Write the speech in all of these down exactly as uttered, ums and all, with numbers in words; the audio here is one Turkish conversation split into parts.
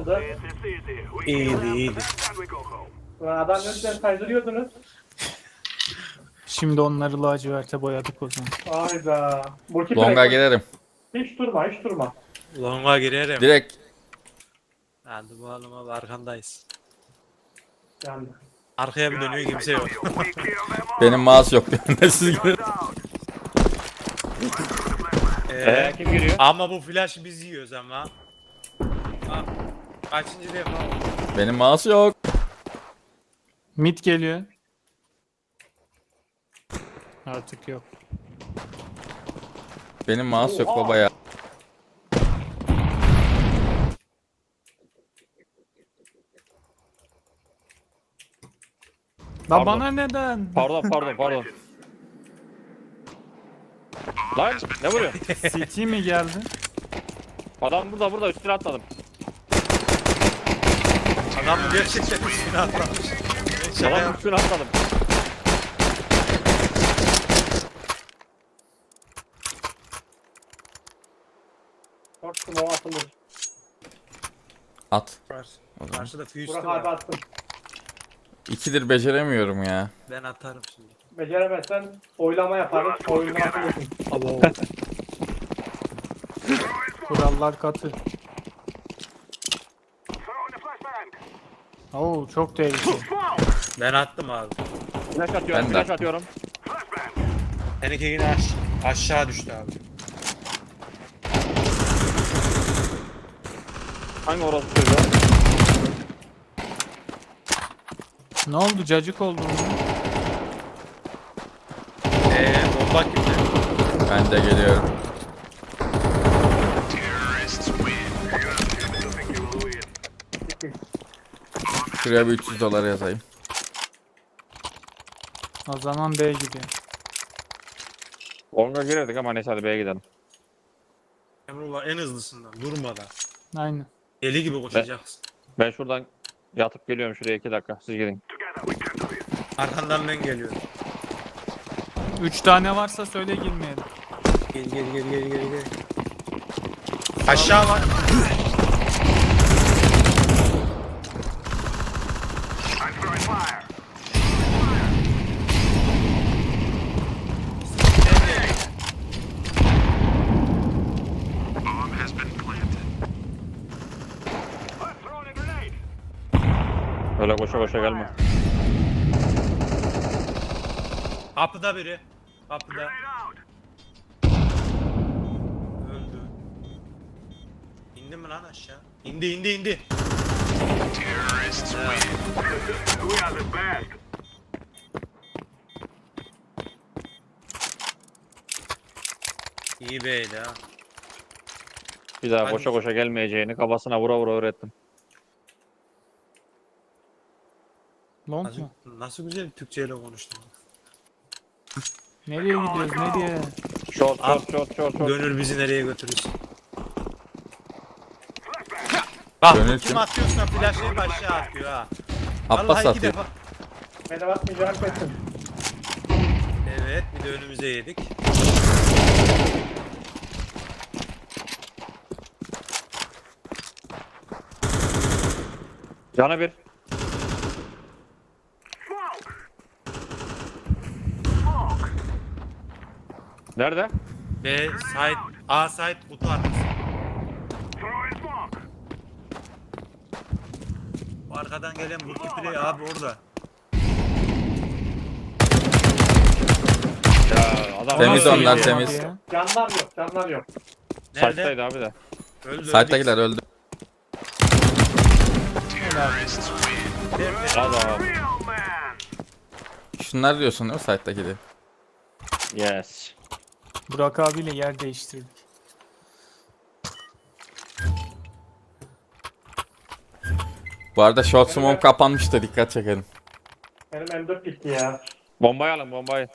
Nasıldı? İyiydi iyiydi. Ulan adam önceden kaydırıyordunuz. Şimdi onları laciverte boyadık o zaman. Hayda. Multiplayer- Longa girerim. Hiç durma hiç durma. Longa girerim. Direkt Hadi bakalım abi arkandayız. Yani. Arkaya bir dönüyor kimse yok. benim mouse yok. Ben de siz girin. Ee, kim giriyor? ama bu flash biz yiyoruz ama. Bak, kaçıncı defa oldu? Benim mouse yok. Mid geliyor. Artık yok. Benim mouse yok baba ya. La Pardon. bana neden? Pardon pardon pardon. Lan ne vuruyor? City mi geldi? Adam burada burada üstüne atladım. Adam gerçekten üstüne atlamış. Şaka Adam yap- üstüne atladım. Korktum o atılır. At. var. Karşıda füyüstü Burak abi var. attım. İkidir beceremiyorum ya. Ben atarım şimdi. Beceremezsen oylama yaparız. Oyundan atılırsın. Abo. Kurallar katı. Oo çok tehlikeli. Ben attım abi. Flash atıyorum Ben de flash attım. atıyorum. Seninki yine aş aşağı düştü abi. Hangi orası çocuğu? Ne oldu? Cacık oldu mu? Eee bomba kimde? Ben de geliyorum. Şuraya bir üç yüz dolar yazayım. O zaman B gidiyor. Longa girerdik ama neyse hadi B'ye gidelim. Emrullah en hızlısından durmadan. Aynen. Deli gibi koşacaksın. Ben şuradan yatıp geliyorum şuraya iki dakika. Siz gidin. Arkandan ben geliyorum. Üç tane varsa söyle girmeyelim. Gel gel gel gel gel gel. Aşağı var. Öyle koşa koşa gelme. Kapıda biri. Kapıda. Öldü. İndi mi lan aşağı? İndi indi indi. İyi beydi ha. Bir daha Hadi. koşa koşa gelmeyeceğini kafasına vura vura öğrettim. Long Nasıl, mu? nasıl güzel Türkçeyle konuştun. Nereye gidiyoruz? Nereye? Short Abi, short short short short. Gönül bizi nereye götürürsün? Bak Gönül kim kim? atıyorsa flashlayıp aşağı atıyor ha. Abbas Vallahi iki atıyor. defa. Beni atmayacağım kesin. Evet bir de önümüze yedik. Canı bir. Nerede? B side A side kutu arkası. Bu arkadan gelen multiplayer abi orada. Ya adam Temiz Nasıl onlar, yapamadı temiz. ya? Canlar yok canlar yok. Nerede? Saçtaydı abi de. Öldü. Site'dakiler öldü. Adam. Şunlar diyorsun değil mi site'daki de? Yes. Burak abiyle yer değiştirdik. Bu arada short smoke kapanmıştı, dikkat çekelim. Benim M dört gitti ya. Bombayı alın bombayı.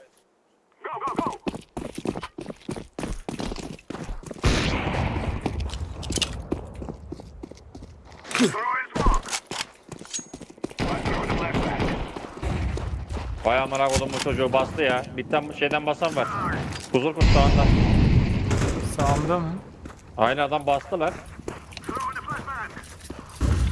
Vay amına kodum bu çocuğu bastı ya. Bitten şeyden basan var. Huzur kurt sağında. Sağımda mı? Aynı adam bastılar.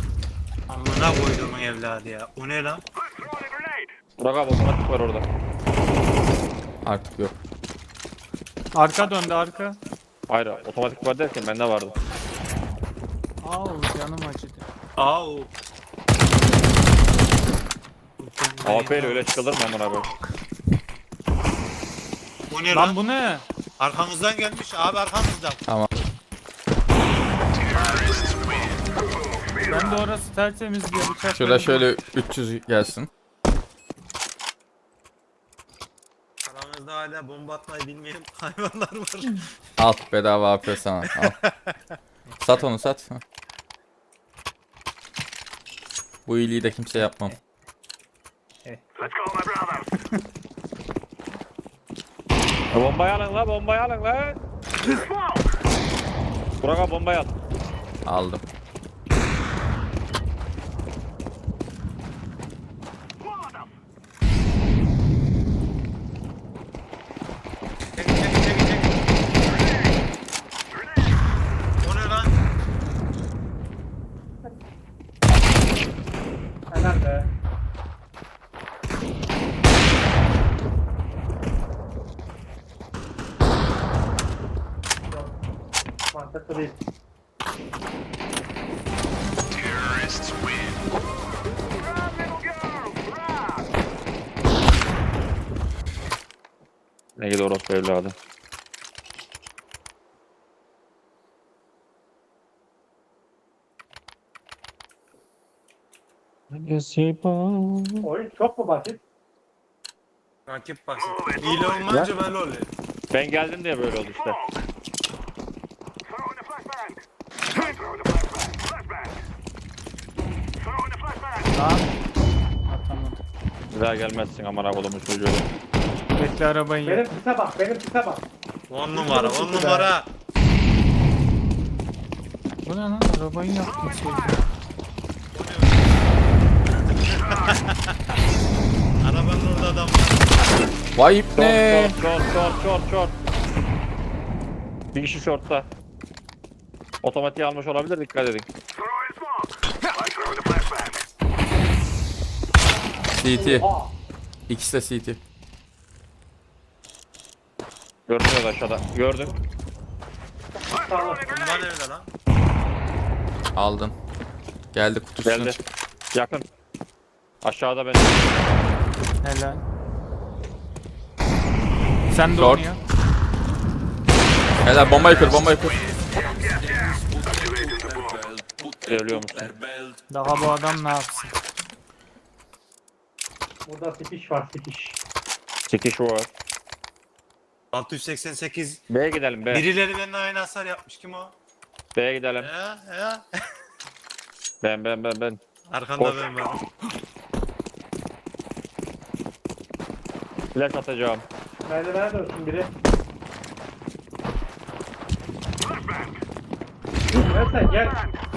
Amına koyduğumun evladı ya. O ne lan? Burak abi otomatik var orada. Artık yok. Arka döndü arka. Hayır otomatik var derken bende vardı. Au canım acıdı. Au. A P ile öyle çıkılır mı amına abi? Bu ne lan? Lan bu ne? Arkamızdan gelmiş abi, arkamızdan. Tamam. Ben de orası tertemiz diye bıçak. Şurada şöyle üç yüz gelsin. Aramızda hala bomba atmayı bilmeyen hayvanlar var. Al bedava A P sana. Al. Sat onu sat. Bu iyiliği de kimse yapmam. E, bombayı alın la bombayı alın la. Burak abi bombayı al. Aldım. Çek çek çek çek. O ne lan? Helal be. Yok. Mantıklı değil. Ne gidiyor orospu evladı. Oyun çok mu basit? Rakip basit. Hile olmayınca böyle oluyor. Ben geldim diye böyle oldu işte. Lan. Atamadım. Bir daha gelmezsin amına kodumun çocuğu. Bekle arabayı Benim yak. kısa bak, benim kısa bak. On numara, on numara. Bu ne lan? Arabayı yaktım şey. Arabanın orada adam var. Vay ipne. Short short short short short. Bir kişi shortta. Otomatiği almış olabilir, dikkat edin. C T. Oha! İkisi de C T. Görünüyor aşağıda. Gördüm. Sağ ol. Bomba nerede lan? Aldın. Geldi kutusuna. Geldi. çık. Yakın. Aşağıda ben. Helal. Sen de Short. onu ya. Helal bombayı kır bombayı kır. Geliyor musun? Daha bu adam ne yapsın? Burada sikiş var, sikiş. Sikiş var. altı yüz seksen sekiz. B'ye gidelim B. Birileri benimle aynı hasar yapmış. Kim o? B'ye gidelim. Ya ya. Ben ben ben ben. Arkanda Koş. ben varım. Flash atacağım. Merdivene dönsün biri. Gel sen gel.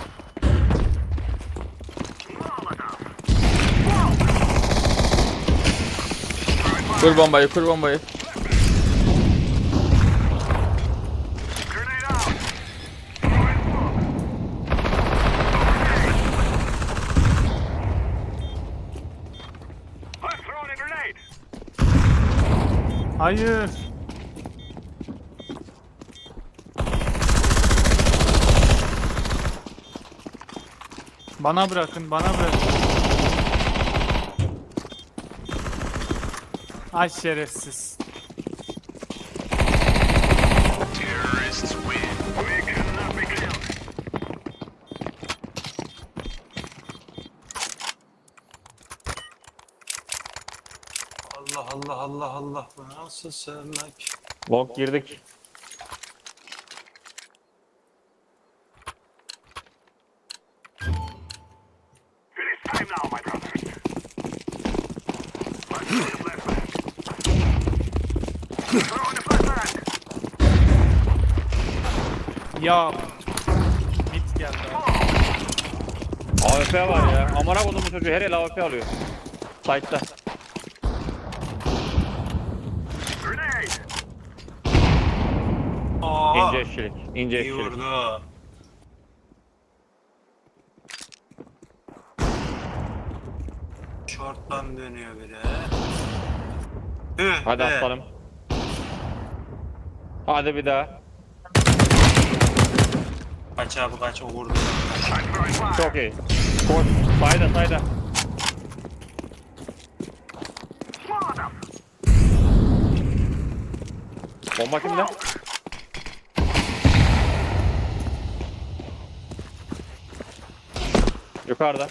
Kur bombayı kur bombayı. Hayır. Bana bırakın, bana bırakın. Ay şerefsiz. Allah Allah Allah Allah. Bu nasıl sevmek? Long girdik. Ya. Mit geldi. A W P var ya. Amına kodumun çocuğu her el A W P alıyor. Site'da. Aa, İnce eşçilik. İnce iyi eşçilik. vurdu. Short'tan dönüyor biri. Hı, Hadi be. aslanım. Hadi bir daha. Kaç abi kaç o vurdu. Çok iyi. Koş. Sayda sayda. Bomba kimde? Yukarıda.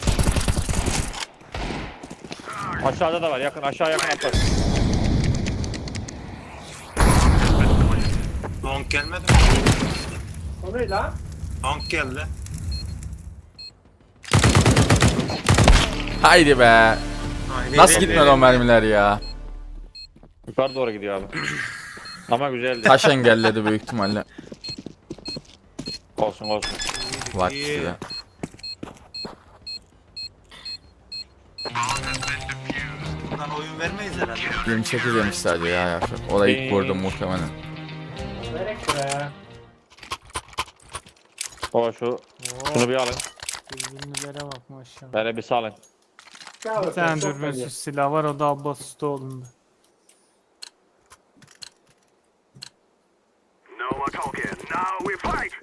Aşağıda da var. Yakın aşağı yakın atlar. Long gelmedi mi? O ne lan? Long geldi. Haydi be. Ay, Nasıl nereye- gitmedi nereye- o mermiler ya? Yukarı doğru gidiyor abi. Ama güzeldi. Taş engelledi büyük ihtimalle. Olsun olsun. Vakti İyi. de. Bundan oyun vermeyiz herhalde. yirmi sekiz yemiş sadece ya yapacak. O da ilk vurdu muhtemelen. Verek be. O şu. Şunu bir alın. Dürbünlülere bak maşallah. Böyle bir salın. Ya Bir tane çok dürbünsüz belli. silah var, o da Abbas Ustaoğlu'nda. No more talking. Now we fight.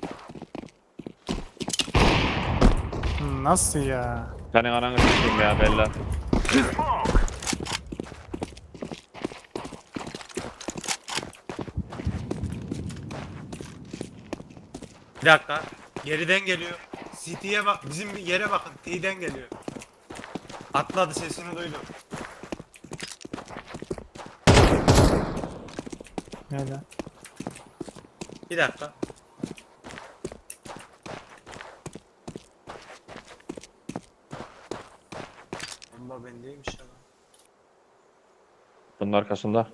Hı, Nasıl ya? Senin ananı s**eyim ya Bella. Smoke. Bir dakika. Geriden geliyor. City'ye bak. Bizim yere bakın. T'den geliyor. Atladı, sesini duydum. Öyle. Bir dakika. Bomba bendeymiş ya. Bunun arkasında.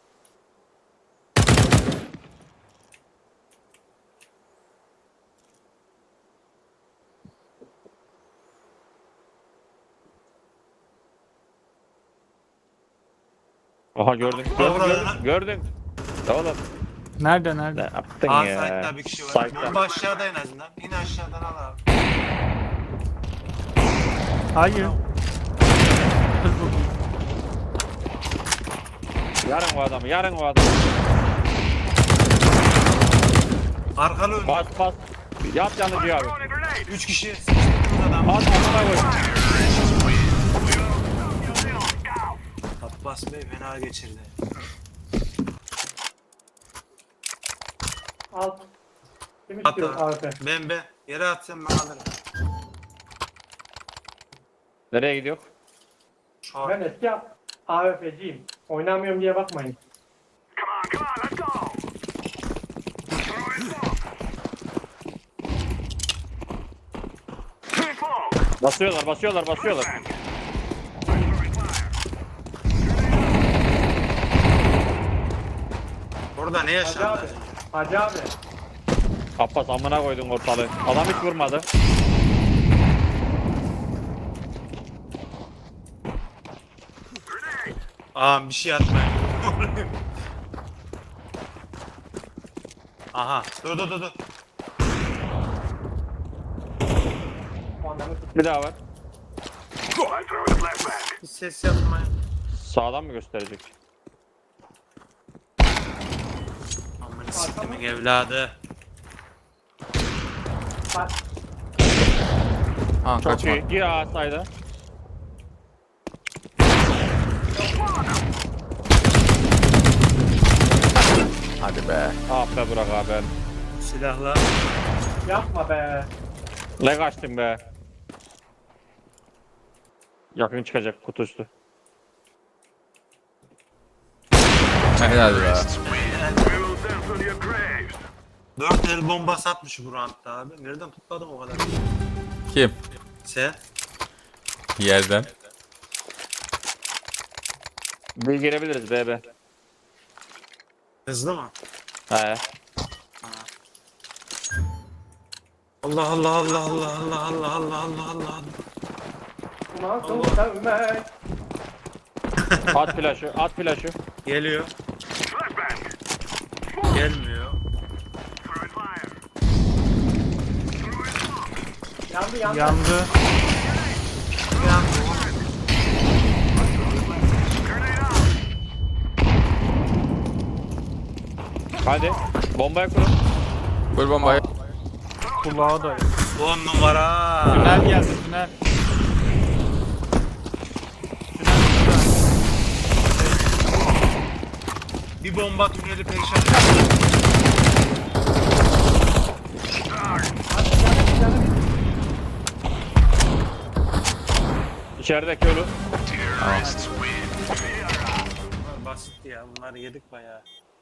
Aha gördün. Gördün gördün. Gördün. Oğlum. Nerede Ne nerede? yaptın Aa, ya? site'da bir kişi var. Site'da. Bomba aşağıda en azından. İn aşağıdan al abi. Hayır. Yarın o adamı. Yarın o adamı. Arkalı ön. Bas bas. Yap yanıcı abi. Throwing a grenade. Üç kişi. Sıkıştırdınız adamı. At amına koy. Abbas Bey fena geçirdi. Alt. Kim At istiyor abi. A W P? Ben be. Yere atsam ben alırım. Nereye gidiyor? Şu an. Ben eski A W P'ciyim. Oynamıyorum diye bakmayın. Come on, come on, let's go. Throwing smoke. Throwing smoke. Basıyorlar basıyorlar basıyorlar. Throwing fire. Orada ne Hacı yaşandı? abi. Hacı abi. Abbas amına koydun ortalığı. Adam hiç vurmadı. Aa bir şey atmayın. Aha. Dur dur dur dur. O anlamı tut. Bir daha var. I'm throwing a flashbang. Hiç ses yapmayın. Sağdan mı gösterecek? Aman siktimin evladı. Bak. Ha Çok kaçma. iyi. Gir ağa sayda. Hadi be. Ah be Burak abi. Silahla. Yapma be. Ne kaçtın be? Yakın çıkacak kutu üstü. Helal be. We will dance on your graves. Dört el bomba satmış bu roundda abi. Nereden tutladın o kadar? Kim? Sen? Yerden. Bir girebiliriz B B. Hızlı mı? He. Allah Allah Allah Allah Allah Allah Allah Allah Allah. Nasıl sevmek? At flaşı, at flaşı. Geliyor. Flashbang. Gelmiyor. Throwing fire. Yandı yandı. Yandı. Bir anda Hadi. Bombaya kurun. Vur bombayı. Kulağa da. On numara. Tünel geldi tünel. Bir bomba tüneli perişan. İçerideki ölü. Bunlar basit ya. Bunları yedik bayağı.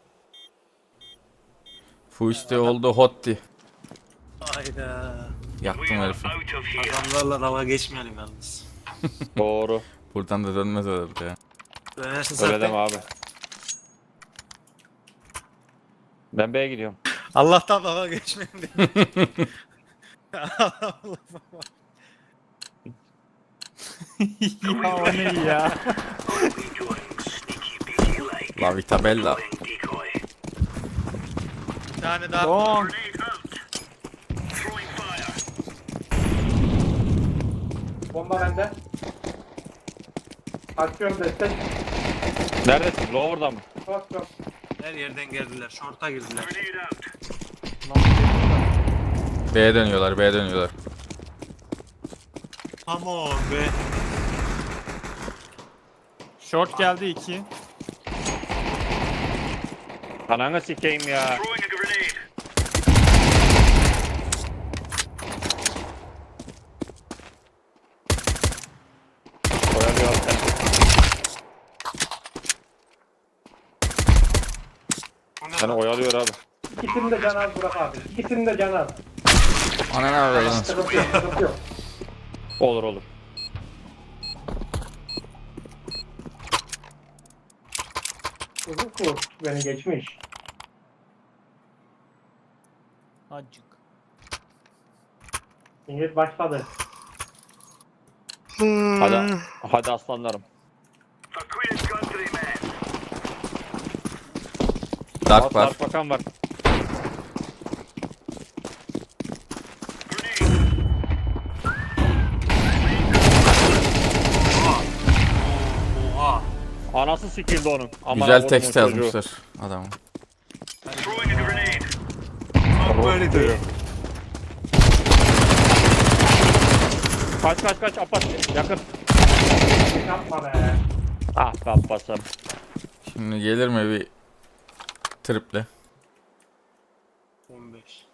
Fuiste oldu hotti. Hayda. Yaktım herifi. Out of here. Adamlarla dalga geçmeyelim yalnız. Doğru. Buradan da dönmez herhalde ya. Dönersin Öyle zaten. deme abi. Ben B'ye gidiyorum. Allah'tan dalga geçmeyelim diye. Allah Allah. Ya o ne ya? We doing sneaky beaky like La Vitabella. decoy. Bir tane daha. Don. Grenade out. Throwing fire. Bomba bende. Açıyorum destek. Neredesin? Lower'da mı? Yok yok. Her yerden geldiler. Şorta girdiler. Grenade out. B'ye dönüyorlar, B'ye dönüyorlar. Come on be. Short geldi iki. Ananı sikeyim ya. Throwing a grenade. Oyalıyor sen. Seni oyalıyor abi. İkisini de can az bırak abi. İkisini de can az. Ana ne yapıyor lan? Sıkıntı yok, sıkıntı yok. Olur olur. Uzun kurt beni geçmiş. Acık. İngiliz başladı. Hadi, hadi aslanlarım. For Queen's country, man. Dark var. Dark bakan var. Grenade. Oha. Anası sikildi onun. Aman Güzel Allah'ım, tekst çocuğu. yazmışlar adamın. Throwing a grenade. Tam böyle diyor. Kaç kaç kaç Abbas yakın. Yapma be. Ah be Abbas'ım. Şimdi gelir mi bir triple? on beş.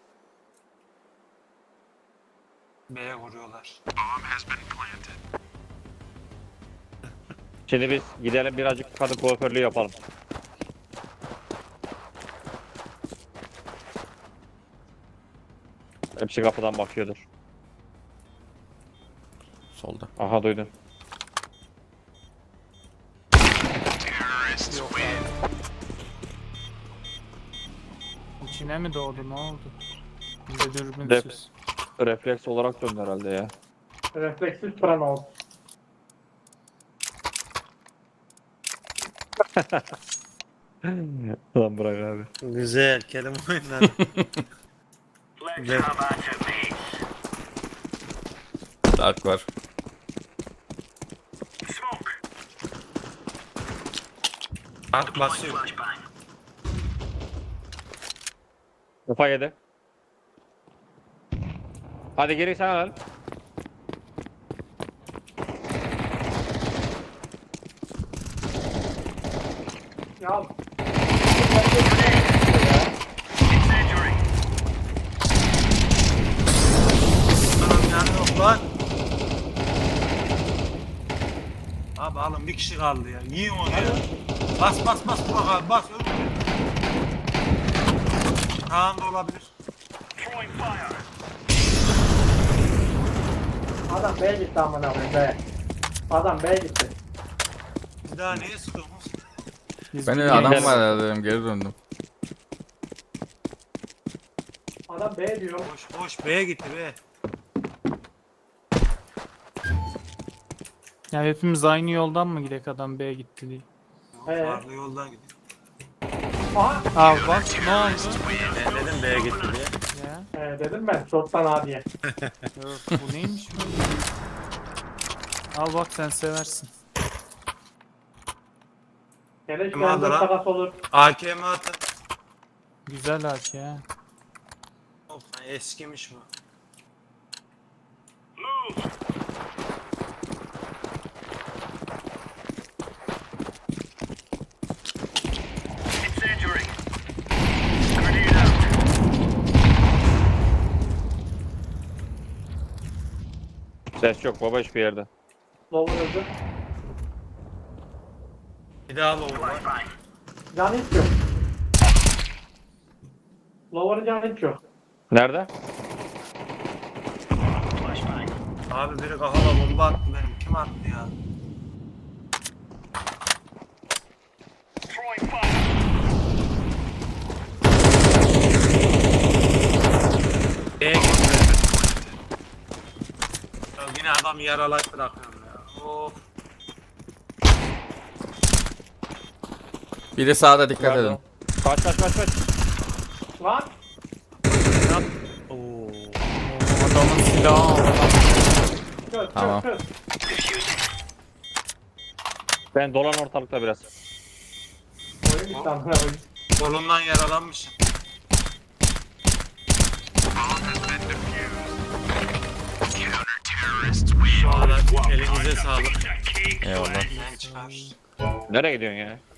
B'ye vuruyorlar. Şimdi biz gidelim birazcık kadın kuaförlüğü yapalım. Hepsi kapıdan bakıyordur. Solda. Aha duydun. İçine mi doğdu ne oldu? Bize Def dürbünsüz. refleks olarak döndü herhalde ya. Refleksiz pran ol. Lan bırak abi. Güzel kelime oyunları. Let's Yeah. have at it, mates. Dark var. Smoke. At basıyor. Flashbang. Kafa yedi. Hadi geri sen al. Ya Incendiary. Anam yani yok lan. Abi alın bir kişi kaldı ya. Yiyin onu ya. Bas bas bas bak abi bas. Öl. Kaan da olabilir. Throwing fire. adam B'ye gitti amına koyayım be. Adam B'ye gitti. Bir daha neye sıkıyorsunuz? Biz Ben de bir adam geliriz. var herhalde dedim, geri döndüm. Adam B diyor. Boş boş B'ye gitti be. Ya hepimiz aynı yoldan mı gidek adam B'ye gitti diye. He. Farklı yoldan gidiyor. Aha. Aa bak ne oldu? Ben dedim B'ye gitti diye. Ya. Ee, dedim ben shorttan A diye. Yok bu neymiş böyle? Al bak sen seversin. Hele Kim aldı şu lan? takas olur. A K M atın. Güzel haç ya. Of, eskimiş bu. Move. Incendiary. Grenade out. Ses yok baba hiçbir yerde. Lower öldü. Bir daha lower var. Can hiç yok. Lower'ın canı hiç yok. Nerede? Flashbang. Abi biri kafama bomba attı benim. Kim attı ya? Throwing fire. B'ye gitti. Ya yine adam yaralayıp bırakıyorum ya. Of. Biri sağda dikkat Nerede edin. o? Kaç kaç kaç kaç. Lan. Oo. Adamın silahı aldı. Kır Tamam. kır kır. Ben dolan ortalıkta biraz. Oyun bitti amına koyayım. Kolundan yaralanmışım. Şu an elinize sağlık. Eyvallah. Ben çıkar. Nereye gidiyorsun ya?